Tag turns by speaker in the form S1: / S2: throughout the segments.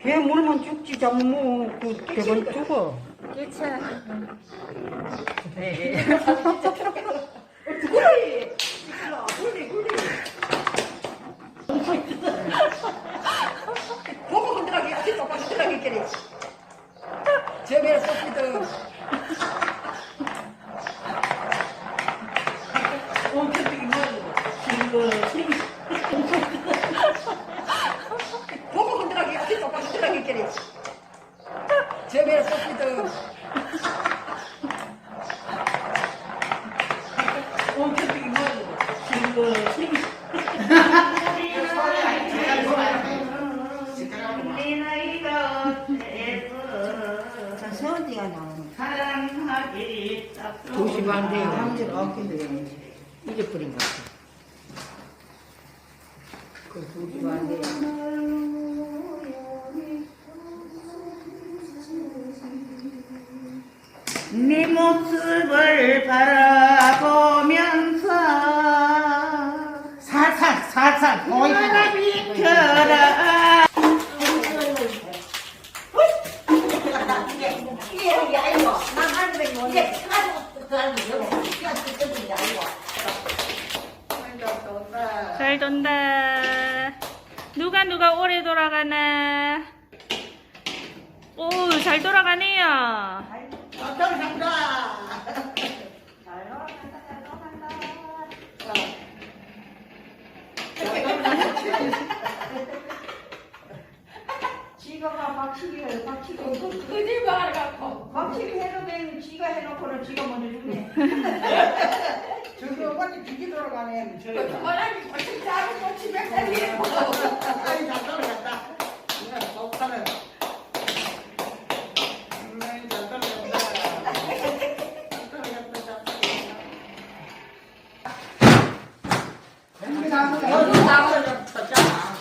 S1: 개 물면 죽지, 잠뭐 그 개만 죽어.
S2: 그쵸.
S1: 네. 보고 흔들하게, 진짜 흔들하게 깨래. 저기에 소피도. 보고 흔들하게, 진짜 흔들하게 깨래. 저기에 소피도. 세원이가 나오는
S3: 사랑하기 딱
S1: 2시 반 돼요.
S3: 한지 없긴데
S1: 잊어버린 것 같아. 그 2시 반 돼요.
S3: 네 모습을 바라보면서 살살 보이라 비켜라.
S2: 잘 돈다. 누가 오래 돌아가나. 오, 잘 돌아가네요.
S4: 지가가 박치기를 거짓말 갖고 박치기 해도 되는 지가 해놓고는 지가 먼저 죽네.
S3: 저기 어머니 비기 돌아가네.
S4: 말하기 거짓 짜고 거치면 되네.
S3: 아이 잘 돌아갔다. 이거 좋다네. 잘 돌아갔다. 잘 돌아갔다.
S4: 여기 나가서 쳤잖아.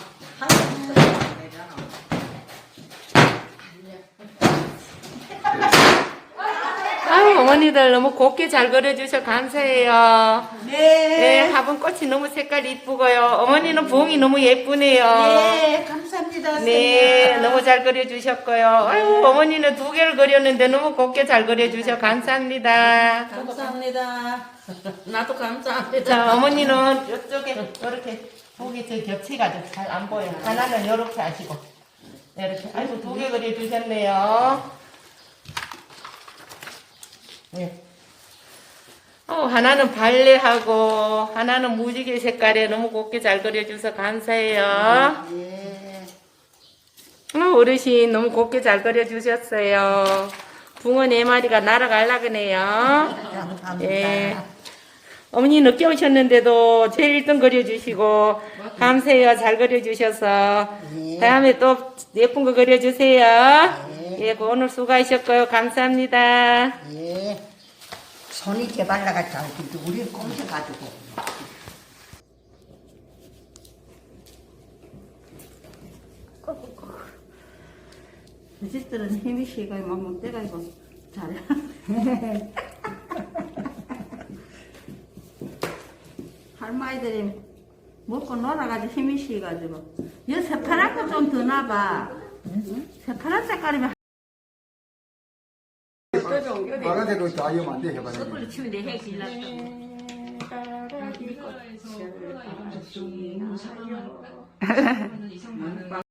S2: 아유, 어머니들 너무 곱게 잘 그려주셔서 감사해요. 네, 화분 꽃이 너무 색깔이 이쁘고요. 어머니는 부엉이 너무 예쁘네요.
S4: 네, 감사합니다.
S2: 네, 너무 잘 그려주셨고요. 아유, 어머니는 2개를 그렸는데 너무 곱게 잘 그려주셔서 감사합니다.
S4: 감사합니다. 나도 감사합니다.
S2: 자, 어머니는 이쪽에 이렇게 보기 저 겹치가지고 잘 안 보여요. 하나는 이렇게 하시고 이렇게. 아이고, 2개 그려주셨네요. 네. 하나는 발레하고 하나는 무지개 색깔에 너무 곱게 잘 그려주셔서 감사해요.
S4: 예.
S2: 어르신 너무 곱게 잘 그려주셨어요. 붕어 4마리가 날아가려고네요.
S4: 감사합니다.
S2: 예. 어머니 늦게 오셨는데도 제일 1등 그려주시고 감사해요. 잘 그려주셔서
S4: 예.
S2: 다음에 또 예쁜 거 그려주세요.
S4: 예.
S2: 예, 오늘 수고하셨고요. 감사합니다.
S4: 예. 손이 개발라가 잘 근데 우리는 꼼쳐가지고. 이 집들은 힘이 쉬고 막 때가 이거 잘해. 할머니들이 먹고 놀아가지고 힘이 쉬가지고. 이 새파란 거 좀 더 놔봐. 새파란 색깔이면
S5: 빨간색으로 좌이면 안 돼, 해봐야 돼.
S2: 숯불로 치면 내 핵이 나